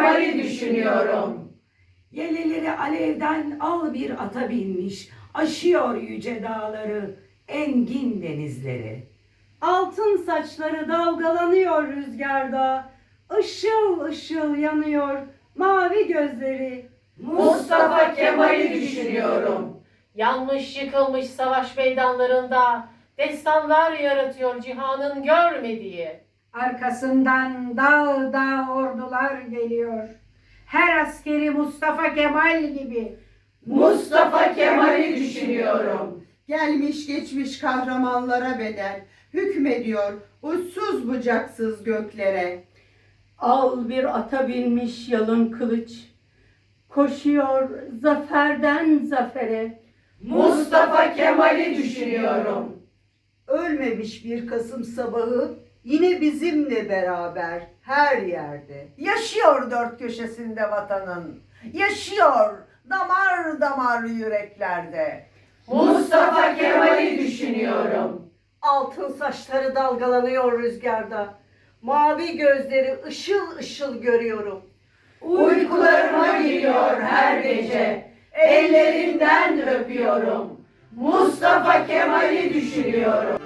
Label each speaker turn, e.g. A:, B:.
A: Kemal'i düşünüyorum.
B: Yeleleri alevden al bir ata binmiş, aşıyor yüce dağları, engin denizleri.
C: Altın saçları dalgalanıyor rüzgarda, ışıl ışıl yanıyor mavi gözleri.
A: Mustafa Kemal'i düşünüyorum.
D: Yanmış yıkılmış savaş meydanlarında destanlar yaratıyor cihanın görmediği.
E: Arkasından dağ dağ ordular geliyor. Her askeri Mustafa Kemal gibi.
A: Mustafa Kemal'i düşünüyorum.
F: Gelmiş geçmiş kahramanlara bedel, hükmediyor uçsuz bucaksız göklere.
G: Al bir ata binmiş yalın kılıç, koşuyor zaferden zafere.
A: Mustafa Kemal'i düşünüyorum.
H: Ölmemiş bir Kasım sabahı yine bizimle beraber her yerde. Yaşıyor dört köşesinde vatanın. Yaşıyor damar damar yüreklerde.
A: Mustafa Kemal'i düşünüyorum.
I: Altın saçları dalgalanıyor rüzgarda. Mavi gözleri ışıl ışıl görüyorum.
A: Uykularıma giriyor her gece. Ellerinden öpüyorum. Mustafa Kemal'i düşünüyorum.